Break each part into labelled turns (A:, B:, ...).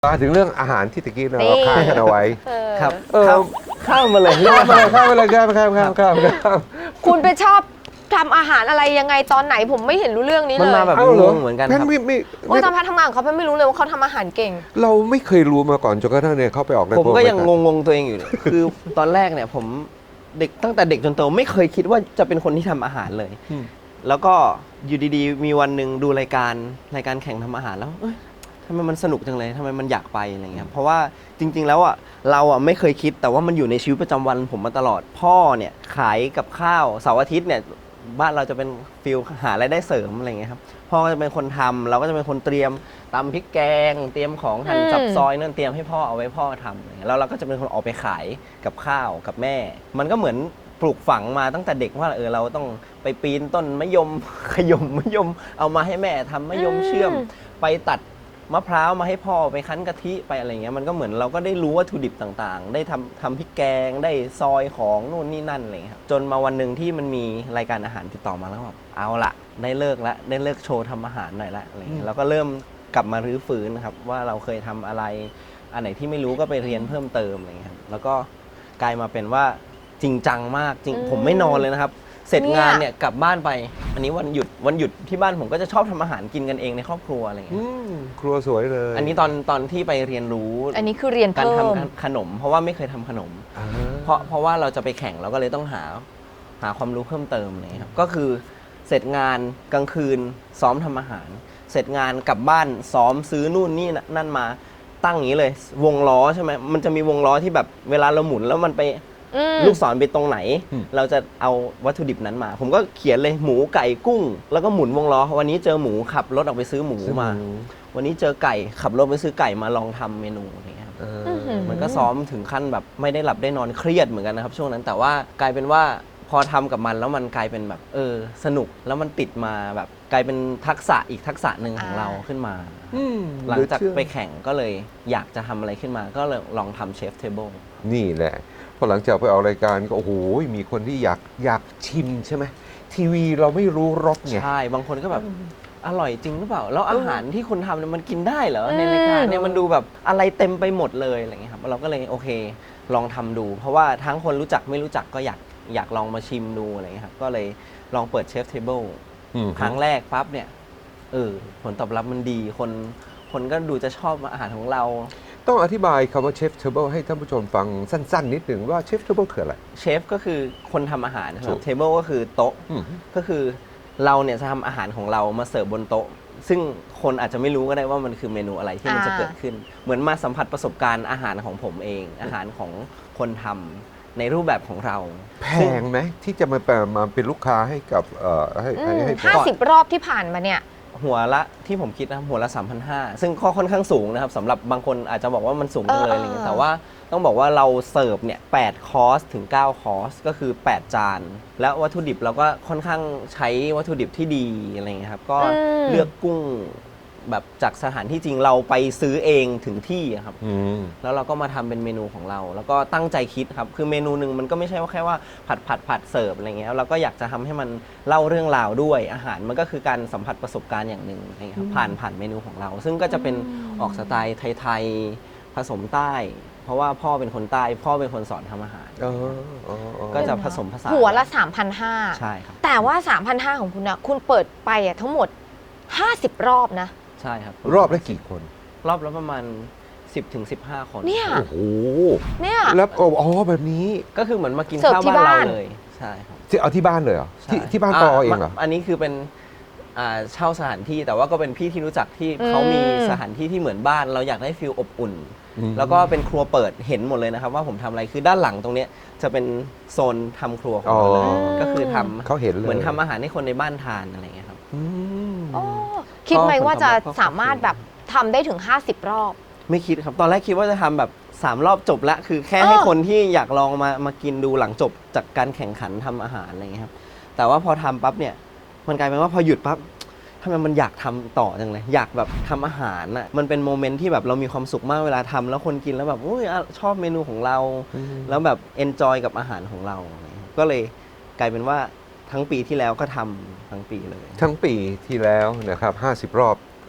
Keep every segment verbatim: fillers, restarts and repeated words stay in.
A: มาถึงเรื่องอาหารที่ตะกี้เราค้างกันเอาไว้
B: ครับ
A: เข้า
B: เข้ามาเลย
A: เข้ามาเลยเข้ามาเลยครับครับครับครับครับ
C: คุณไปชอบทำอาหารอะไรยังไงตอนไหนผมไม่เห็นรู้เรื่องนี้เลย
B: มันมาแบบงงเหมือนกันครับ
A: ไม่ไม่
C: โอ้ยตอนพักทำงานเขาไม่รู้เลยว่าเขาทำอาหารเก่ง
A: เราไม่เคยรู้มาก่อนจนกระทั่งเนี่ยเขาไปออกใน
B: ผมก็ยังงงๆตัวเองอยู่คือตอนแรกเนี่ยผมเด็กตั้งแต่เด็กจนโตไม่เคยคิดว่าจะเป็นคนที่ทำอาหารเลยแล้วก็อยู่ดีๆมีวันหนึ่งดูรายการรายการแข่งทำอาหารแล้วทำไมมันสนุกจังเลยทำไมมันอยากไปอะไรเงี้ยเพราะว่าจริงๆแล้วอ่ะเราอ่ะไม่เคยคิดแต่ว่ามันอยู่ในชีวิตประจำวันผมมาตลอดพ่อเนี่ยขายกับข้าวเสาร์อาทิตย์เนี่ยบ้านเราจะเป็นฟิลหารายได้เสริมอะไรเงี้ยครับพ่อก็จะเป็นคนทำเราก็จะเป็นคนเตรียมตำพริกแกงเตรียมของหั่นสับซอยนั่นเตรียมให้พ่อเอาไว้พ่อทำแล้วเราก็จะเป็นคนออกไปขายกับข้าวกับแม่มันก็เหมือนปลูกฝังมาตั้งแต่เด็กว่าเออเราต้องไปปีนต้นมะยมขยมมะยมเอามาให้แม่ทำมะยมเชื่อมไปตัดมะพร้าวมาให้พ่อไปคั้นกะทิไปอะไรเงี้ยมันก็เหมือนเราก็ได้รู้วัตถุดิบต่างๆได้ทำทำพริกแกงได้ซอยของนู่นนี่นั่นอะไรเงี้ยจนมาวันหนึ่งที่มันมีรายการอาหารติดต่อมาแล้วแบบเอาละได้เลิกละได้เลิกโชว์ทำอาหารหน่อยละอะไรเงี้ยเราก็เริ่มกลับมารื้อฟื้นนะครับว่าเราเคยทำอะไรอันไหนที่ไม่รู้ก็ไปเรียนเพิ่มเติมอะไรเงี้ยแล้วก็กลายมาเป็นว่าจริงจังมากจริงผมไม่นอนเลยนะครับเสร็จงานเนี่ยกลับบ้านไปอันนี้วันหยุดวันหยุดที่บ้านผมก็จะชอบทำอาหารกินกันเองในครอบครัวอะไรอย่างเงี้ย
A: ครัวสวยเลย
B: อันนี้ตอนตอนที่ไปเรียนรู้
C: อันนี้คือเรียน
B: การ
C: เพิ่ม
B: ทำขนมเพราะว่าไม่เคยทำขนมเพราะเพราะว่าเราจะไปแข่งเราก็เลยต้องหาหาความรู้เพิ่มเติมเลยครับก็คือเสร็จงานกลางคืนซ้อมทำอาหารเสร็จงานกลับบ้านซ้อมซื้อนู่นนี่นั่นมาตั้งอย่างนี้เลยวงล้อใช่ไหมมันจะมีวงล้อที่แบบเวลาเราหมุนแล้วมันไปลูกศรไปตรงไหนเราจะเอาวัตถุดิบนั้นมาผมก็เขียนเลยหมูไก่กุ้งแล้วก็หมุนวงล้อวันนี้เจอหมูขับรถออกไปซื้อหมูมาวันนี้เจอไก่ขับรถไปซื้อไก่มาลองทำเมนูอะไรเงี้ยครับมันก็ซ้อมถึงขั้นแบบไม่ได้หลับได้นอนเครียดเหมือนกันนะครับช่วงนั้นแต่ว่ากลายเป็นว่าพอทำกับมันแล้วมันกลายเป็นแบบเออสนุกแล้วมันติดมาแบบกลายเป็นทักษะอีกทักษะหนึ่งของเราขึ้นมาหลังจากไปแข่งก็เลยอยากจะทำอะไรขึ้นมาก็เลยลองทำเชฟเทเบิล
A: นี่แหละพอหลังจากไปออกรายการก็โอ้โหมีคนที่อยากอยากชิมใช่ไหมทีวีเราไม่รู้รสไง
B: ใช่บางคนก็แบบอร่อยจริงหรือเปล่าแล้วอาหารที่คุณทำเนี่ยมันกินได้เหรอในรายการเนี่ยมันดูแบบอะไรเต็มไปหมดเลยอะไรเงี้ยครับเราก็เลยโอเคลองทำดูเพราะว่าทั้งคนรู้จักไม่รู้จักก็อยากอยากลองมาชิมดูอะไรเงี้ยครับก็เลยลองเปิดเชฟเทเบิลครั้งแรกปั๊บเนี่ยเออผลตอบรับมันดีคนคนก็ดูจะชอบอาหารของเรา
A: ต้องอธิบายคำว่าเชฟเทเบิลให้ท่านผู้ชมฟังสั้นๆนิดหนึ่งว่าเชฟเทเบิลคืออะไร
B: เชฟก็คือคนทำอาหารนะครับเทเบิลก็คือโต๊ะก็คือเราเนี่ยจะทำอาหารของเรามาเสิร์ฟบนโต๊ะซึ่งคนอาจจะไม่รู้ก็ได้ว่ามันคือเมนูอะไรที่มันจะเกิดขึ้นเหมือนมาสัมผัสประสบการณ์อาหารของผมเองอาหารของคนทำในรูปแบบของเรา
A: แพงไหมที่จะมามาเป็นลูกค้าให้กับเอ่อให้ให้
C: ห้าสิบรอบที่ผ่านมาเนี่ย
B: หัวละที่ผมคิดนะหัวละ สามพันห้าร้อย ซึ่งข้อค่อนข้างสูงนะครับสำหรับบางคนอาจจะบอกว่ามันสูงเลยอะไรเงี้ยแต่ว่าต้องบอกว่าเราเสิร์ฟเนี่ยแปดคอร์สถึงเก้าคอร์สก็คือแปดจานแล้ววัตถุดิบเราก็ค่อนข้างใช้วัตถุดิบที่ดีอะไรเงี้ยครับก็เลือกกุ้งแบบจากสถานที่จริงเราไปซื้อเองถึงที่ครับแล้วเราก็มาทำเป็นเมนูของเราแล้วก็ตั้งใจคิดครับคือเมนูหนึ่งมันก็ไม่ใช่ว่าแค่ว่าผัดผัดผัดเสิร์ฟอะไรเงี้ยเราก็อยากจะทำให้มันเล่าเรื่องราวด้วยอาหารมันก็คือการสัมผัสประสบการณ์อย่างหนึ่งนะครับผ่านผ่านเมนูของเราซึ่งก็จะเป็นออกสไตล์ไทยๆผสมใต้เพราะว่าพ่อเป็นคนใต้พ่อเป็นคนสอนทำอาหารก็จะผสมผสาน
C: หัวละ สามพันห้าร้อย
B: ใช่ครับ
C: แต่ว่า สามพันห้าร้อย ของคุณนะคุณเปิดไปอ่ะทั้งหมดห้าสิบรอบนะ
B: ใช่ครับ
A: รอบละกี่คน
B: รอบละประมาณ สิบถึงสิบห้า คน
C: เนี่ย
A: โอ้โห
C: เนี่ย
A: แล้วอ๋อแบบนี้
B: ก็คือเหมือนมากินข้าวบ้านเราเลยใช่ครับ
A: ที่เอาที่บ้านเลยเหรอที่ที่บ้านปอเองเหรอ
B: อันนี้คือเป็นเช่าสถานที่แต่ว่าก็เป็นพี่ที่รู้จักที่เขามีสถานที่ที่เหมือนบ้านเราอยากได้ฟีลอบอุ่นแล้วก็เป็นครัวเปิดเห็นหมดเลยนะครับว่าผมทำอะไรคือด้านหลังตรงนี้จะเป็นโซนทำครัวของเราเลยก็คือทำ
A: เขาเห็นเลย
B: เหมือนทำอาหารให้คนในบ้านทานอะไรอย่างเงี้ยครับ
C: คิดไหมว่าจะสามารถแบบทำได้ถึงห้าสิบรอบ
B: ไม่คิดครับตอนแรกคิดว่าจะทำแบบสามรอบจบละคือแค่ให้คนที่อยากลองมามากินดูหลังจบจากการแข่งขันทำอาหารอะไรอย่างเงี้ยครับแต่ว่าพอทำปั๊บเนี่ยมันกลายเป็นว่าพอหยุดปั๊บทำไมมันอยากทำต่อจังเลยอยากแบบทำอาหารอ่ะมันเป็นโมเมนต์ที่แบบเรามีความสุขมากเวลาทำแล้วคนกินแล้วแบบโอ้ยชอบเมนูของเราแล้วแบบเอนจอยกับอาหารของเราก็เลยกลายเป็นว่าทั้งปีที่แล้วก็ทำทั้งปีเลย
A: ทั้งปีที่แล้วนะครับห้าสิบรอบ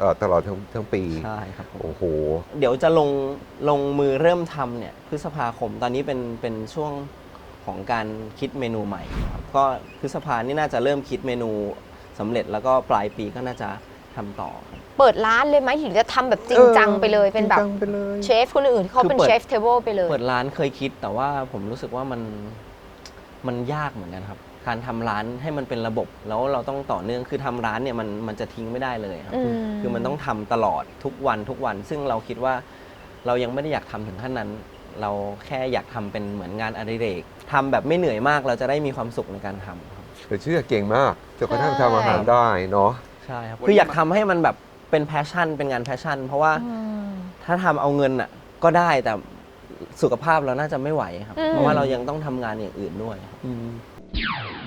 A: เอ่อตลอดทั้งทั้งปี
B: ใช่ครับผม
A: โอ้โห
B: เดี๋ยวจะลงลงมือเริ่มทำเนี่ยพฤษภาคมตอนนี้เป็นเป็นช่วงของการคิดเมนูใหม่ครับก็พฤษภานี่น่าจะเริ่มคิดเมนูสำเร็จแล้วก็ปลายปีก็น่าจะทำต่อครับ
C: เปิดร้านเลยไหมหรือจะทำแบบจริงจังไปเลยเป็นแบบ
A: จริงจังไปเลย
C: เชฟคนอื่นที่เขาเป็น
B: คือเปิด
C: เชฟเทเบิลไปเลย
B: เปิดร้านเคยคิดแต่ว่าผมรู้สึกว่ามันมันยากเหมือนกันครับการทำร้านให้มันเป็นระบบแล้วเราต้องต่อเนื่องคือทำร้านเนี่ยมันมันจะทิ้งไม่ได้เลยครับ
C: อืม
B: คือมันต้องทำตลอดทุกวันทุกวัน ซึ่งเราคิดว่าเรายังไม่ได้อยากทำถึงขั้นนั้น เราแค่อยากทำเป็นเหมือนงานอดิเรกทำแบบไม่เหนื่อยมากเราจะได้มีความสุขในการทำครับ
A: แต่เชื่อเก่งมากจนกระทั่ง
C: ใช่
A: ทำอาหารได้เนาะ
B: ใช่ครับคืออยากทำให้มันแบบเป็นแพชชั่นเป็นงานแพชชั่น เพราะว่า
C: อืม
B: ถ้าทำเอาเงินอ่ะก็ได้แต่สุขภาพเราน่าจะไม่ไหวครับ
C: อืม
B: เพราะว่าเรายังต้องทำงานอย่างอื่นด้วยครับ
A: อืม